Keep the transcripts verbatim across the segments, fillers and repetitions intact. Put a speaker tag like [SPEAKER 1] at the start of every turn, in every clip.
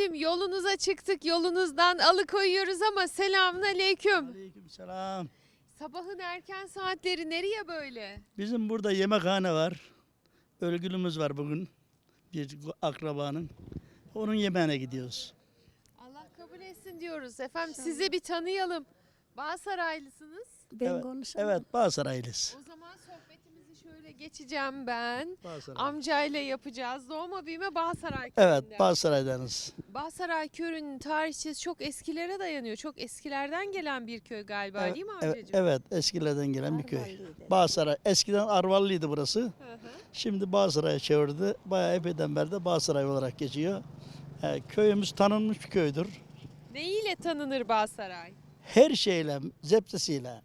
[SPEAKER 1] Efendim yolunuza çıktık, yolunuzdan alıkoyuyoruz ama selamünaleyküm.
[SPEAKER 2] Aleykümselam.
[SPEAKER 1] Sabahın erken saatleri nereye böyle?
[SPEAKER 2] Bizim burada yemekhane var. Ölgülümüz var bugün. Bir akrabanın. Onun yemeğine gidiyoruz.
[SPEAKER 1] Allah kabul etsin diyoruz. Efendim sizi bir tanıyalım. Bağsaraylısınız.
[SPEAKER 3] Ben
[SPEAKER 2] Evet,
[SPEAKER 3] konuşamam.
[SPEAKER 2] evet Bağsaraylıyız.
[SPEAKER 1] O zaman sohbetimizi şöyle geçeceğim ben.
[SPEAKER 2] Bağsaray.
[SPEAKER 1] Amcayla yapacağız. Doğma büyüme Bağsaray
[SPEAKER 2] Evet
[SPEAKER 1] köyünden.
[SPEAKER 2] Bağsaray'danız.
[SPEAKER 1] Bağsaray köyünün tarihçesi çok eskilere dayanıyor. Çok eskilerden gelen bir köy galiba
[SPEAKER 2] Evet,
[SPEAKER 1] değil mi
[SPEAKER 2] evet,
[SPEAKER 1] amcacığım?
[SPEAKER 2] evet eskilerden gelen bir köy.
[SPEAKER 3] Arvalıydı.
[SPEAKER 2] Bağsaray. Eskiden Arvallıydı burası.
[SPEAKER 1] Hı hı.
[SPEAKER 2] Şimdi Bağsaray'a çevirdi. Bayağı epeyden beri de Bağsaray olarak geçiyor. Ee, köyümüz tanınmış bir köydür.
[SPEAKER 1] Neyiyle tanınır Bağsaray?
[SPEAKER 2] Her şeyle, zepsesiyle.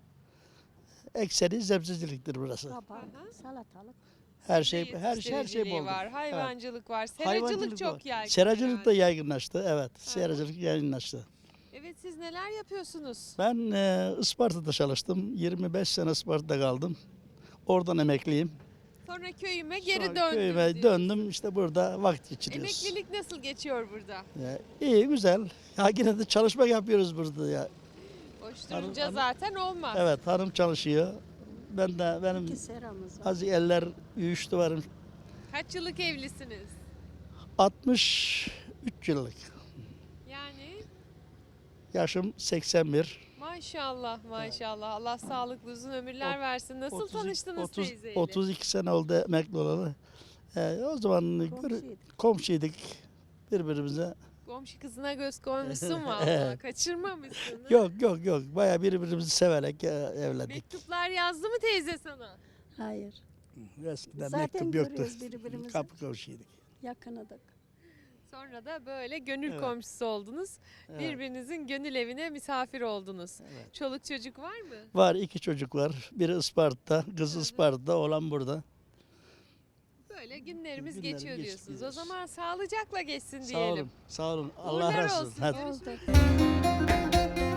[SPEAKER 2] Ekseri zepseciliktir burası.
[SPEAKER 3] Kabak, salatalık.
[SPEAKER 2] Her şey,
[SPEAKER 1] Sebze
[SPEAKER 2] her şey, her şey
[SPEAKER 1] yetiştiriciliği
[SPEAKER 2] bol.
[SPEAKER 1] var, hayvancılık var, seracılık
[SPEAKER 2] Hayvancılık
[SPEAKER 1] çok
[SPEAKER 2] var.
[SPEAKER 1] yaygın.
[SPEAKER 2] Seracılık da
[SPEAKER 1] herhalde.
[SPEAKER 2] yaygınlaştı. Evet, seracılık yaygınlaştı.
[SPEAKER 1] Evet, siz neler yapıyorsunuz?
[SPEAKER 2] Ben e, Isparta'da çalıştım. yirmi beş sene Isparta'da kaldım. Oradan emekliyim.
[SPEAKER 1] Sonra köyüme geri
[SPEAKER 2] Sonra
[SPEAKER 1] döndüm.
[SPEAKER 2] Köyüme
[SPEAKER 1] diyorsun.
[SPEAKER 2] döndüm. İşte burada vakit geçiriyoruz.
[SPEAKER 1] Emeklilik nasıl geçiyor burada?
[SPEAKER 2] Ya, iyi, güzel. Ya yine de çalışma yapıyoruz burada ya.
[SPEAKER 1] Boş
[SPEAKER 2] Hanım-
[SPEAKER 1] durunca
[SPEAKER 2] hanım-
[SPEAKER 1] zaten olmaz.
[SPEAKER 2] Evet, hanım çalışıyor. Ben de benim
[SPEAKER 3] İki seramız var.
[SPEAKER 2] az eller uyuştu varım.
[SPEAKER 1] Kaç yıllık evlisiniz?
[SPEAKER 2] altmış üç yıllık.
[SPEAKER 1] Yani
[SPEAKER 2] Yaşım seksen bir.
[SPEAKER 1] maşallah maşallah. Allah sağlıklı uzun ömürler
[SPEAKER 2] Ot-
[SPEAKER 1] versin. Nasıl
[SPEAKER 2] otuz-
[SPEAKER 1] tanıştınız
[SPEAKER 2] otuz,
[SPEAKER 1] teyzeyle?
[SPEAKER 2] otuz iki sene oldu emekli olalı. Ee, o zaman gör-
[SPEAKER 3] Komşuyduk.
[SPEAKER 2] komşuyduk birbirimize.
[SPEAKER 1] Komşu kızına göz koymuşsun valla. Kaçırmamışsın. ha?
[SPEAKER 2] Yok yok yok. Bayağı birbirimizi severek e, evlendik.
[SPEAKER 1] Mektuplar yazdı mı teyze sana?
[SPEAKER 3] Hayır.
[SPEAKER 2] Eskiden
[SPEAKER 3] Zaten
[SPEAKER 2] mektup yoktu.
[SPEAKER 3] görüyoruz birbirimizi.
[SPEAKER 2] Kapı komşuyduk.
[SPEAKER 3] Yakınıdık.
[SPEAKER 1] Sonra da böyle gönül
[SPEAKER 2] Evet.
[SPEAKER 1] komşusu oldunuz.
[SPEAKER 2] Evet.
[SPEAKER 1] Birbirinizin gönül evine misafir oldunuz.
[SPEAKER 2] Evet.
[SPEAKER 1] Çoluk çocuk var mı?
[SPEAKER 2] Var iki çocuk var. Biri Isparta'da, kız
[SPEAKER 1] Hı hı.
[SPEAKER 2] Isparta'da, oğlan burada.
[SPEAKER 1] Böyle günlerimiz
[SPEAKER 2] Günlerimiz
[SPEAKER 1] geçiyor
[SPEAKER 2] geçti,
[SPEAKER 1] diyorsunuz. O
[SPEAKER 2] gidiyoruz.
[SPEAKER 1] zaman sağlıcakla geçsin
[SPEAKER 2] Sağ
[SPEAKER 1] diyelim.
[SPEAKER 2] olun, sağ olun. Allah
[SPEAKER 1] Uğurlar
[SPEAKER 2] razı olsun.
[SPEAKER 1] olsun.
[SPEAKER 2] Hadi.
[SPEAKER 1] Görüşmek
[SPEAKER 3] Oldu.